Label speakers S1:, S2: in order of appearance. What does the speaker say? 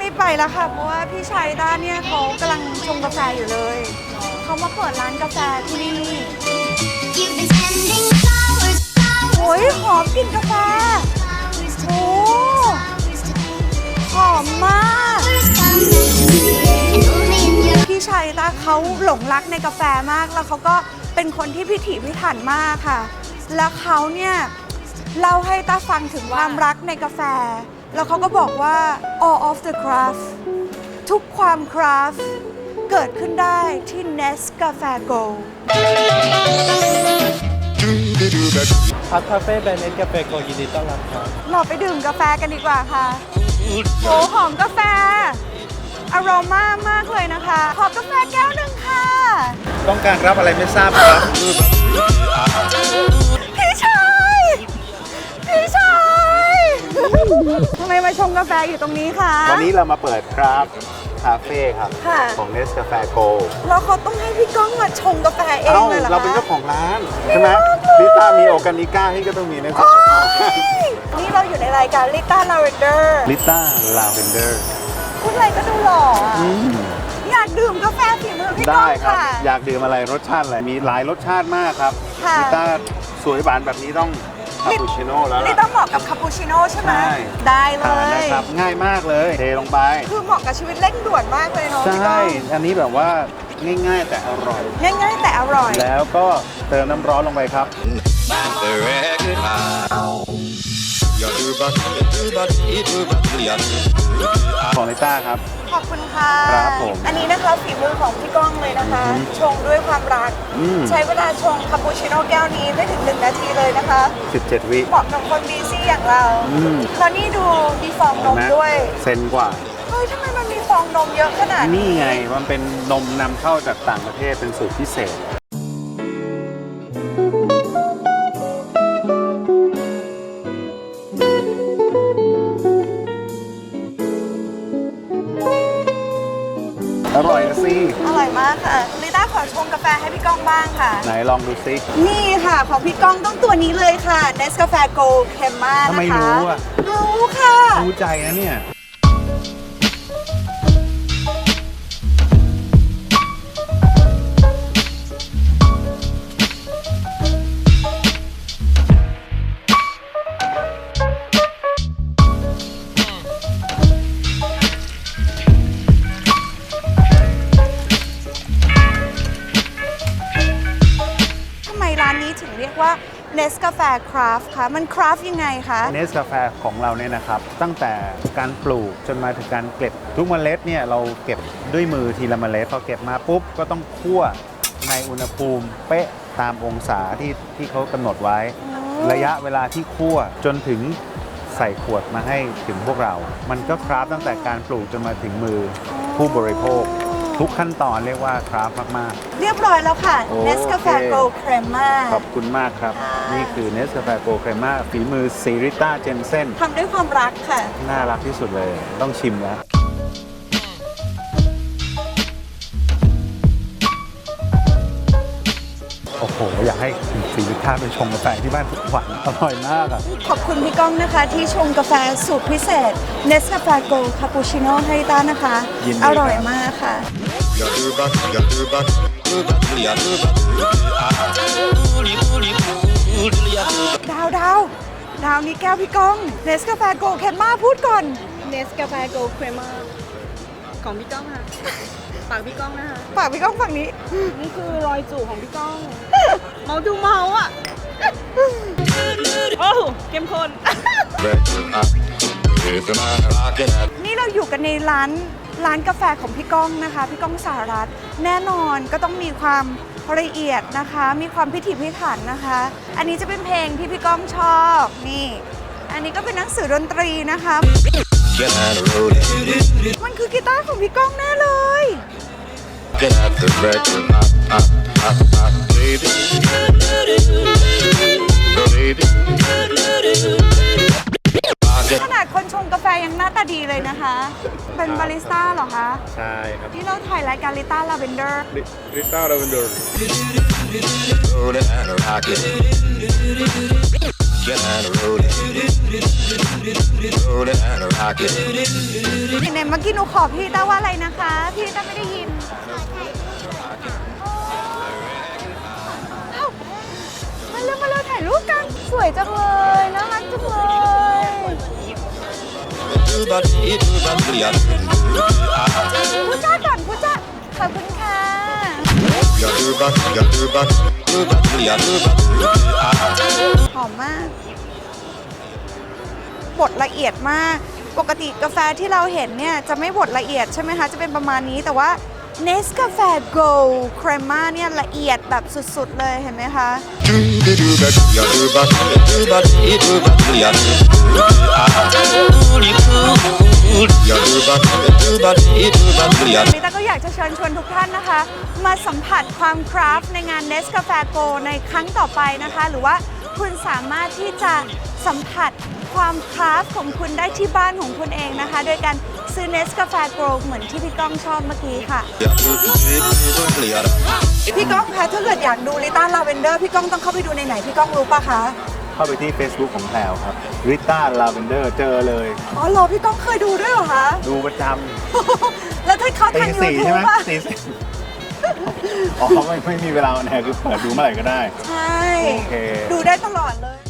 S1: รีบไปแล้วค่ะเพราะว่าพี่ชายด้านเนี่ยเขากำลังชงกาแฟอยู่เลยเขามาเปิดร้านกาแฟที่นี่โอ้ยหอมกลิ่นกาแฟโอ้หอมมากพี่ชายตาเขาหลงรักในกาแฟมากแล้วเขาก็เป็นคนที่พิถีพิถันมากค่ะแล้วเขาเนี่ยเล่าให้ตาฟังถึงความรักในกาแฟแล้วเขาก็บอกว่า all of the craft ทุกความคราฟต์เกิดขึ้นได้ที่ Nescafe Gold
S2: พัทคาเฟ่แบรนด์เนสกาแฟโกยินดีต้อนรับครับ
S1: เราไปดื่มกาแฟกันดีกว่าค่ะโอ้หอมกาแฟอโรมามากเลยนะคะขอกาแฟแก้วหนึ่งค่ะ
S3: ต้องการรับอะไรไม่ทราบครับ
S1: พี่ชายพี่ชายทำไมมาชงกาแฟอยู่ตรงนี้คะ
S3: วันนี้เรามาเปิดครับคาเฟ่ครับ
S1: ค่ะ
S3: ของ Nescafe Gold
S1: แล้วเขาต้องให้พี่ก้องมาชงกาแฟเอง
S3: เอ้า
S1: เลยเหรอคะ
S3: เราเป็นเจ้าของร้าน ใช่ไหมลิต้ามีโอร์แกนิก้าให้ก็ต้องมีNescafe
S1: นี่เราอยู่ในรายการลิต้าลาเวนเดอร์
S3: ลิต้าลาเวนเดอร์
S1: พูดอะไรก็ดูหล่ออะอยากดื่มกาแฟฝีมือพี่ก้
S3: ได้
S1: อง
S3: ครับ
S1: ค่ะ
S3: อยากดื่มอะไรรสชาติอะไรมีหลายรสชาติมากครับ
S1: ค่ะ
S3: ลิต้าสวยหวานแบบนี้ต้องคาปูชิโน่แล้ว
S1: นี่
S3: ล่ะ
S1: ต้องเหมาะกับคาปูชิโน่ใช่ไหม
S3: ใช่
S1: ได้เล
S3: ทาน
S1: ย
S3: นะครับง่ายมากเลยเทลงไป
S1: คือเหมาะกับชีวิตเร่งด่วนมากเลยเนาะ
S3: ใช่
S1: พี่ก้อง
S3: อันนี้แบบว่าง่ายๆแต่อร่อย
S1: ง่ายๆแต่อร่อย
S3: แล้วก็เติมน้ำร้อนลงไปครับ ของลิต้าครับ
S1: ขอบคุณค่ะ
S3: ครับผม
S1: อันนี้นะคะฝีมือของพี่ก้องเลยนะคะ ชงด้วยความรัก ใช้เวลาชงคาปูชิโน่แก้วนี้ไม่ถึง1 นาทีเลยนะคะ
S3: 17 วิ
S1: เหมาะกับคนบีซี่อย่างเราแล้วนี่ดูมีฟองนมด้วย
S3: เซนกว่า
S1: เฮ้ยทำไมมันมีฟองนมเยอะขนาดนี้
S3: นี่ไงมันเป็นนมนำเข้าจากต่างประเทศเป็นสูตรพิเศษ อร่อยนะสิ
S1: อร่อยมากค่ะลิต้าขอชงกาแฟให้พี่ก้องบ้างค่ะ
S3: ไหนลองดูซิ
S1: นี่ค่ะของพี่ก้องต้องตัวนี้เลยค่ะ Nescafe Gold Crema นะคะ
S3: ทำไมรู้อ่ะ
S1: รู้ค่ะ
S3: รู้ใจนะเนี่ย
S1: ทำไมร้านนี้ถึงเรียกว่า Nescafe Craft คะมัน craft ยังไงคะ
S3: เนสกาแฟของเราเนี่ยนะครับ ตั้งแต่การปลูกจนมาถึงการเก็บทุกเมล็ดเนี่ยเราเก็บด้วยมือทีละเมล็ดพอเก็บมาปุ๊บก็ต้องคั่วในอุณหภูมิเป๊ะตามองศาที่เขากำหนดไว้ ระยะเวลาที่คั่วจนถึงใส่ขวดมาให้ถึงพวกเรา มันก็คราฟตั้งแต่การปลูกจนมาถึงมือผู้บริโภค ทุกขั้นตอนเรียกว่าคราฟมาก
S1: เรียบร้อยแล้วค่ะ
S3: โอเค
S1: Nescafe Gold Crema
S3: ๆ ขอบคุณมากครับ นี่คือเนสกาแฟโกลด์เครม่าฝีมือซีริต้าเจนเซน
S1: ทำด้วยความรักค่ะ
S3: น่ารักที่สุดเลย ต้องชิมแล้ว โอ้โห อยากให้คุณซีริต้าไปชงกาแฟที่บ้านทุกวันอร่อยมากอ่ะ
S1: ขอบคุณพี่ก้องนะคะที่ชงกาแฟสูตรพิเศษ Nescafe Gold Cappuccino ให้ต้านะคะ
S3: ยินดี
S1: อ
S3: ครับ
S1: ร่อยมากค่ะ ดาวนี้แก้วพี่ก้อง Nescafe Gold Crema พูดก่อน
S4: Nescafe Gold Crema ของพี่ก้องค่ะ ปากพี่ก้องนะคะ
S1: ฝากพี่ก้องฝั่งนี้
S4: นี่คือรอยจูบของพี่ก้อง เมาดูเมาอ่ะ โอ้โหเข้มข้น
S1: นี่เราอยู่กันในร้านกาแฟของพี่ก้องนะคะ พี่ก้องสหรัฐแน่นอนก็ต้องมีความละเอียดนะคะ มีความพิถีพิถันนะคะ อันนี้จะเป็นเพลงที่พี่ก้องชอบนี่ อันนี้ก็เป็นหนังสือดนตรีนะคะ มันคือกีตาร์ของพี่ก้องแน่เลย ขนาดคนชงกาแฟยังหน้าตาดีเลยนะคะ เป็นบาริสต้าเหรอคะ
S3: ใช่ครับ
S1: ที่เราถ่ายรายการลิต้าลาเวนเดอร์
S3: ลิต้าลาเวนเดอร์
S5: rockin' and rollin', rollin' and rockin'.
S1: ไหนเมื่อกี้หนูขอพี่ต้าว่าอะไรนะคะ พี่ต้าไม่ได้ยินอ้าวมาเร็วถ่ายรูปกัน สวยจังเลยน่ารักจังเลย พูดจ้าก่อนพูดจ้าขอบคุณค่ะ หอมมาก บดละเอียดมาก ปกติกาแฟที่เราเห็นเนี่ยจะไม่บดละเอียดใช่ไหมคะ จะเป็นประมาณนี้ แต่ว่า Nescafe Gold Crema เนี่ยละเอียดแบบสุดๆเลยเห็นไหมคะ ลิต้าก็อยากจะเชิญชวนทุกท่านนะคะ มาสัมผัสความคราฟต์ในงาน Nescafe Go ในครั้งต่อไปนะคะ หรือว่าคุณสามารถที่จะสัมผัสความคราฟต์ของคุณได้ที่บ้านของคุณเองนะคะ โดยการซื้อ Nescafe Go เหมือนที่พี่ก้องชอบเมื่อกี้ค่ะ พี่ก้องคะถ้าเกิดอยากดูลิต้าลาเวนเดอร์พี่ก้องต้องเข้าไปดูในไหนพี่ก้องรู้ปะคะ
S3: เข้าไปที่ Facebook ของแพรวครับริต้าลาเวนเดอร์เจอเลย
S1: อ๋อเหรอพี่ก้องเคยดูด้วยเหรอคะ
S3: ดูประจ
S1: แล้วถ้าเขา
S3: ำตี
S1: ทางยู
S3: สี่
S1: ทู
S3: ใช่
S1: บ
S3: ไหม
S1: อะ
S3: ตีสี่อ๋อไม่มีเวลาแน่คือเปิดดูเมื่อไหร่ก็ได้
S1: ใช่
S3: โอเค
S1: ดูได้ตลอดเลย